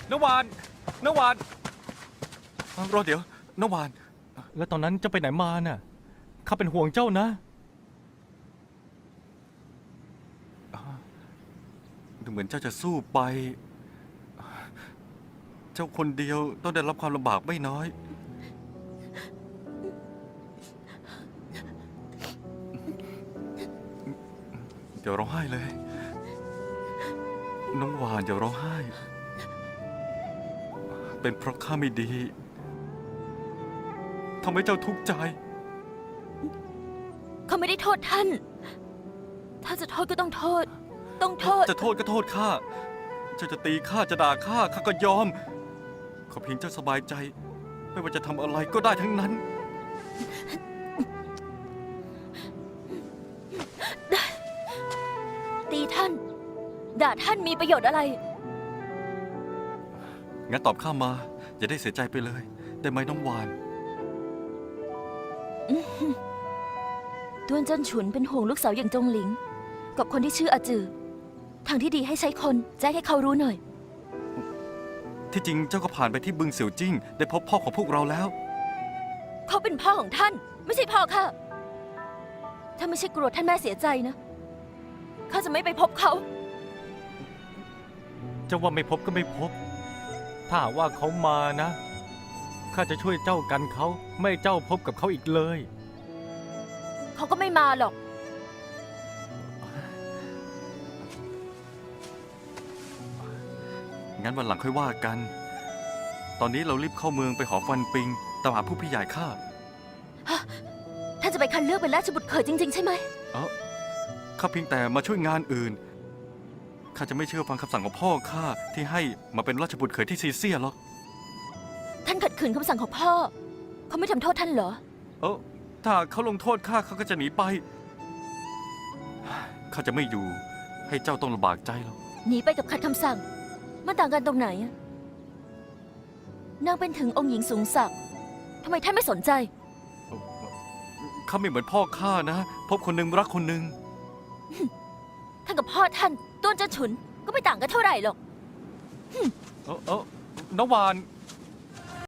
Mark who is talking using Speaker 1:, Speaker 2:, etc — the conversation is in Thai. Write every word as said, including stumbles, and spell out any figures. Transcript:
Speaker 1: นวานนวานรอเดี๋ยวนวานแล้วตอนนั้นเจ้าไปไหนมาน่ะข้าเป็นห่วงเจ้านะดูเหมือนเจ้าจะสู้ไปเจ้าคนเดียวต้องได้รับความลำบากไม่น้อยเดี๋ยวร้องไห้เลยน้องหวานอย่าร้องไห้เป็นเพราะข้าไม่ดีทำให้เจ้าทุกข์ใจ
Speaker 2: เขาไม่ได้โทษท่าน ถ้าจะโทษก็ต้องโทษ ต้องโทษ
Speaker 1: จะโทษก็โทษข้าเจ้าจะตีข้าจะด่าข้าข้าก็ยอมขอเพียงเจ้าสบายใจไม่ว่าจะทำอะไรก็ได้ทั้งนั้น
Speaker 2: ตีท่านด่าท่านมีประโยชน์อะไร
Speaker 1: งั้นตอบข้ามาอย่าได้เสียใจไปเลยได้ไหมน้องวาน
Speaker 2: ต้วนเจิ้นฉุนเป็นห่วงลูกสาวอย่างจงหลิงกับคนที่ชื่ออาจือทางที่ดีให้ใช้คนแจ้งให้เขารู้หน่อย
Speaker 1: ที่จริงเจ้าก็ผ่านไปที่บึงเสี่ยวจิ้งได้พบพ่อของพวกเราแล้ว
Speaker 2: เขาเป็นพ่อของท่านไม่ใช่พ่อข้าถ้าไม่ใช่กลัวท่านแม่เสียใจนะข้าจะไม่ไปพบเขา
Speaker 1: เจ้าว่าไม่พบก็ไม่พบถ้าว่าเขามานะข้าจะช่วยเจ้ากันเขาไม่เจ้าพบกับเขาอีกเลย
Speaker 2: เขาก็ไม่มาหรอก
Speaker 1: งั้นวันหลังค่อยว่ากันตอนนี้เรารีบเข้าเมืองไปหอฟันปิงตามหาผู้พี่ใหญ่ข้า
Speaker 2: ท่านจะไปคัดเลือกเป็นราชบุตรเขยจริงๆใช่ไหม
Speaker 1: เออข้าเพียงแต่มาช่วยงานอื่นข้าจะไม่เชื่อฟังคำสั่งของพ่อข้าที่ให้มาเป็นราชบุตรเขยที่ซีเซียหรอก
Speaker 2: ท่านขัดขืนคำสั่งของพ่อเขาไม่ทำโทษท่านเหรอ
Speaker 1: เออถ้าเขาลงโทษข้าเขาก็จะหนีไปข้าจะไม่อยู่ให้เจ้าต้องลำบากใจหรอก
Speaker 2: หนีไปกับขัดคำสั่งมันต่างกันตรงไหนนางเป็นถึงองค์หญิงสูงศักดิ์ทำไมท่านไม่สนใจ
Speaker 1: ข้าไม่เหมือนพ่อข้านะพบคนหนึ่งรักคนหนึ่ง
Speaker 2: ท่านกับพ่อท่านต้วนเจิ้นฉุนก็ไม่ต่างกันเท่าไหร่หรอก
Speaker 1: เออเออน้องวาน